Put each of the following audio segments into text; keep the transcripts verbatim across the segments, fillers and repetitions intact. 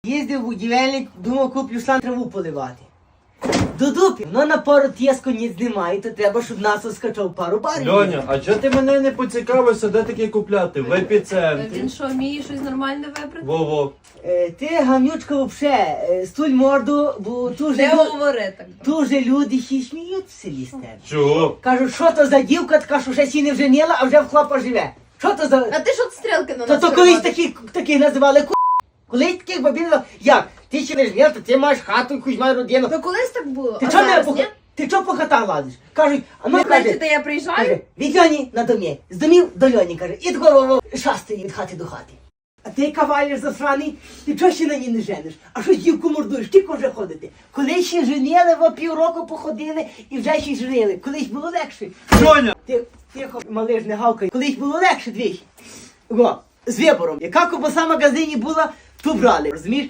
Їздив будівельник, думав, куплю шланг траву поливати. До дупі, ну на пару тєску ніц немає, то треба, щоб нас скачав пару барів. Льоня, а чого ти мене не поцікавився, де таке купляти? В епіцентрі. Він що, вміє щось нормальне вибрати? Во-во. Е, ти, гамнючка, вообще, е, стуль морду, бо тут Не же, лю- говори так. тут же люди ще й сміють в селі з тебе. Чого? Кажуть, що то за дівка така, що ще сі не вженила, а вже в хлопа живе. Що то за... А ти що стрілки на То нас то колись переводиш? такі, таких називали ку... Колись таких бабів, як? Ти ще не жнєв, то ти маєш хату, якусь маєш родину. То колись так було, Ти а чого не зараз по... ні? Ти чого по хатах ладиш? Кажуть, а ну Ви каже, бачите, я приїжджаю? каже, від Льоні на домі, з домів до Льоні, каже, і такого шастає від хати до хати. А ти кавалер засраний, ти чого ще на ній не жениш? А що дівку мордуєш, тільки вже ходити? Колись ще женили, во півроку походили і вже ще й женили. Колись було легше. Льоня! Ти, тихо, малиш, не гавкай. Колись було легше, двічі. О, з вибором. Яка ковбаса в магазині була, ту брали. Розумієш?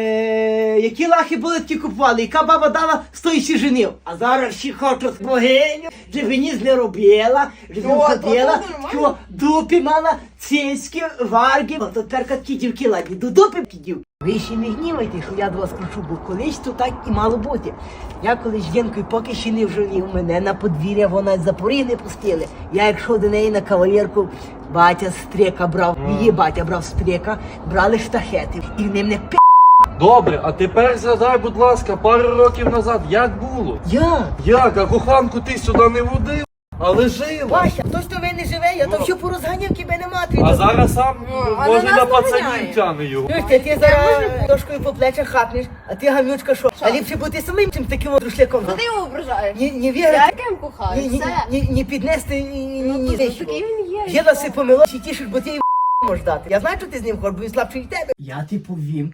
Е, які лахи були, такі купували. Яка баба дала, стоїть женив. А зараз всі хочуть богиню, щоб ніс не робила, щоб О, ходила, то нормально. що дупі мала, цицьки, варги. О, то тепер такі дівки ладні, до дупи такі дівки. Ви ще не гнівайте, що я до вас кручу, бо колись то так і мало бути. Я колись жінкою поки ще не вженів, мене на подвір'я вона з запоріг не пустили. Я якщо до неї на кавалерку, батя стрека брав, її батя брав стрека, брали штахети і в ним не пи***. Добре, а тепер згадай, будь ласка, пару років назад, як було? Я? Як? А коханку ти сюди не водив? Але жила. Вася, хтось то ви не живе, я то все порозганяв, тебе не мати. А зараз сам, а може, на на нас пацанів наганяє. тяне його. Ти, ти зараз дошкою по плечах хапнеш, а ти гамнючка що? А ліпше бути самим, чим таким от рушляком. Що ти його ображаєш? Ні, ні Я вірити, яким кохаю, ні, ні, все. ні, ні піднести, ні, ні, ні, Ну, ні. то такий він є. Єда си помило, чи тішиш, бо ти їм можеш дати. Я знаю, що ти з ним хочеш, бо він слабший від тебе. Я ти повім,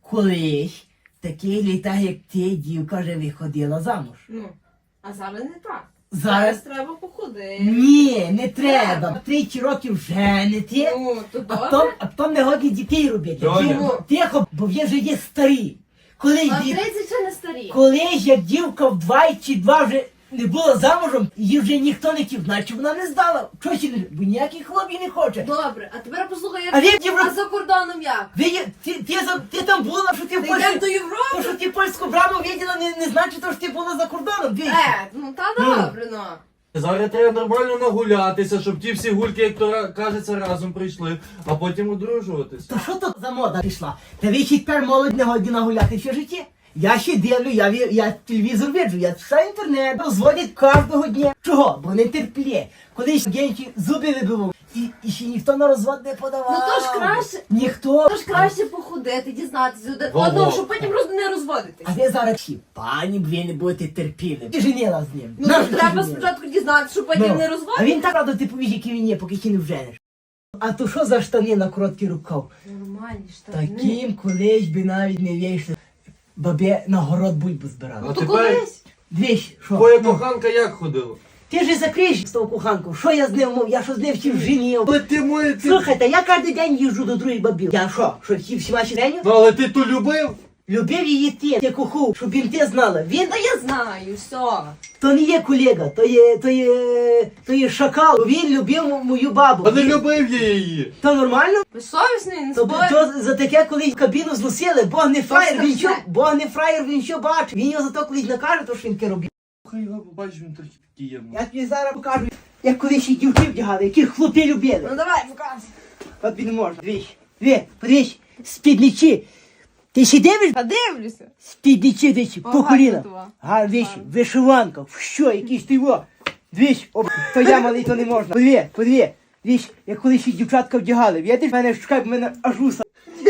колись такий літа, як ти, дівка вже виходила замуж. Ну, а зараз не так. Зараз? треба походити. Ні, не треба. Тричі років женити, Ну, то а добре. потім, а потім не годні дітей робити. Льоня. Дівко, тихо, бо він вже є старий. Колись, А дів- тридцять ще не старі. колись як дівка в два чи два вже не була замужем, її вже ніхто не хотів, значить вона не здала. Чого ще не, бо ніякий хлоп її не хоче. Добре, а тепер послухай, як А він а євро- за кордоном як? Ви, є- ти, ти, за- ти там була, що ти в Ти Польщі, йдемо до Європи? то, що ти польську браму виділа, не, не значить, що ти була за кордоном. Двічі. Е, ну та добре, ну. Зараз треба нормально нагулятися, щоб ті всі гульки, як то ра- кажеться, разом прийшли, а потім одружуватися. То що то за мода пішла? Та ви ще тепер молодь не годі нагуляти все життя. Я ще дивлю, я, ві- я телевізор виджу, я все інтернет, розводять кожного дня. Чого? Бо не терплє. Колись генчі зуби вибивав, і, і ще ніхто на розвод не подавав. Ну то ж краще, Ніхто. то ж краще походити, дізнатися один Во-во. одного, щоб потім роз- не розводитись. А ви зараз всі, пані, б ви не будете терпіли. Ти женила з ним. Ну Нащо то ти треба женила? спочатку дізнатися, щоб потім Ну, не А розводитись. він так радо ти повіж, який він є, поки ще не вженеш. А то що за штани на короткий рукав? Нормальні штани. Таким колись би навіть не вийшли. Бабе на город бульбу збирали. А То тепер колись. Двічі, що? твоя Ну, коханка як ходила? ти ж закриєш з того коханку, що я з ним мов, я що з ним всім женів. Але ти моє, ти... Слухайте, я кожен день їжджу до других бабів. Я що, що всі всі ваші женю? Ну, але ти ту любив? Любив її ти, ти коху, щоб він ти знала. Він Та я знаю, все. то не є колега, то є, то є, то є шакал. Він любив м- мою бабу. А не Він- любив я її. То нормально? Безсовісний, не То, спорю. то за таке колись кабіну зносили, Бог не фраєр, він що, страшне. Бог не фраєр, він що бачить. Він його зато колись накаже, то що він таке робив. Хай його побачиш, він трохи підіємо. Я тобі зараз покажу, як колись і дівки вдягали, яких хлопці любили. Ну давай, показуй. От він можна. Двічі. Дві, подивись, спідничі. Ти ще дивиш? Та дивлюся. Спідничі, двічі, Ага, по коліна. това. Га, двічі, вишиванка, що, якийсь ти во. Двічі, об, то я малий, то не можна. Подиві, подиві. Двічі, як колись і дівчатка вдягали. Видиш, мене шукай, в мене аж уса.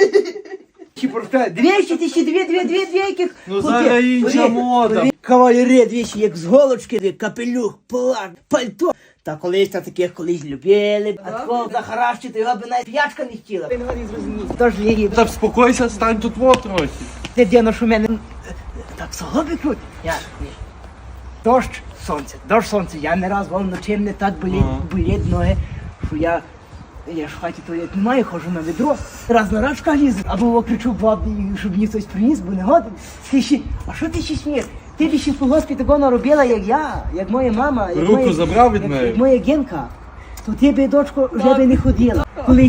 Чи просто двічі, ти ще дві, дві, дві, дві, яких. Ну, хлопці. зараз інша Подиві, мода. подиві. Кавалери, двічі, як з голочки, дві, капелюх, плащ, пальто. Та колись та таких колись любили, а такого захаращити, його би навіть п'ячка не хотіла. Він не зрозумів. Тож її, Та вспокойся, стань тут во трохи. ти діно, що в мене так солоби круть. Я, ні. Дощ, сонце, дощ, сонце. Я не раз вам вночі не так боліть, Ага. боліть ноги, що я, я ж в хаті туалет немає, ходжу на відро. Раз на раз в лізу, або кричу бабі, щоб мені хтось приніс, бо не годен. Ти ще, а що ти ще смієш? Ти б ще в колгоспі такого наробила, як я, як моя мама. Як Руку моя, забрав від як, неї? як моя Генка. То ти би, дочко, вже би не ходила. Колись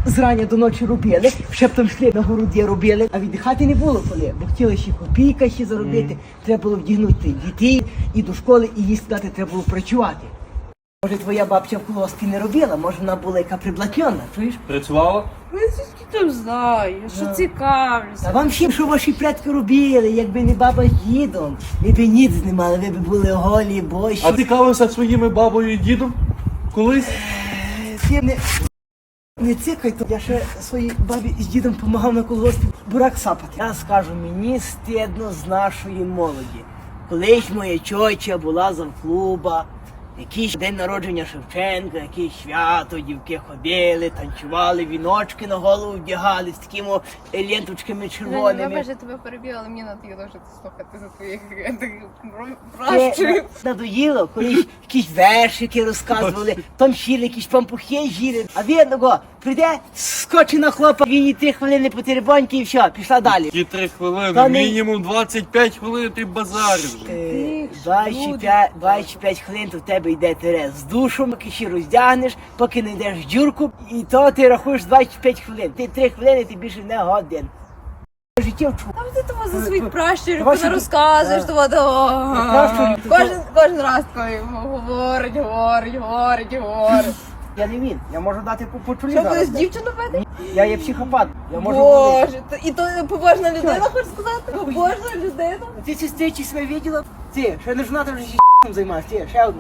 зрання до ночі робили, ще потім йшли на городі робили, а віддихати не було коли, бо хотіли ще копійка ще заробити, треба було вдягнути дітей і до школи, і їй сказати, треба було працювати. Може, твоя бабця в колгоспі не робила, може вона була яка приблатльона, чуєш? Працювала? Ну, звідки там знаю, що Ну. цікавлюся. А вам всім, що ваші предки робили, якби не баба з дідом, ви б ніц не мали, ви б були голі, бощі. А ти цікавився своїми бабою і дідом? Колись? Ти не, не цикай, то я ще своїй бабі з дідом допомагав на колгоспі бурак сапати. Я скажу, мені стидно з нашої молоді. Колись моя чоча була завклуба, якийсь день народження Шевченка, якесь свято, дівки ходили, танцювали, віночки на голову вдягали з такими ленточками червоними. Вибач, я тебе перебила, але мені надоїло вже слухати за твоїх Це пращурів. надоїло, коли якісь вершики розказували, там щіли, якісь пампухи жіли. А він одного прийде, скочить на хлопа, він і три хвилини по теребоньки і все, пішла далі. Ті три хвилини, Та не- мінімум двадцять п'ять хвилин ти базариш. Е, Ти ж двадцять люди. п'ять двадцять п'ять хвилин то в тебе йде терез з душу, поки ще роздягнеш, поки не йдеш дюрку, і то ти рахуєш двадцять п'ять хвилин. Ти три хвилини, ти більше не годин. Життя вчу. Там ти того за своїх пращурів Ваші не ді- розказуєш, Да. того того. Пращурів, то- Кожен, кожен раз такий говорить, говорить, говорить, говорить. Я не він, я можу дати по почулі Що зараз. будеш дівчину бити? Я є психопат, я можу говорити. Боже, то- і то побожна людина, хочеш сказати? Побожна людина. Ти сестричі себе виділа? Ти, ще не жена, ти вже ще займаєшся, ти, ще одна.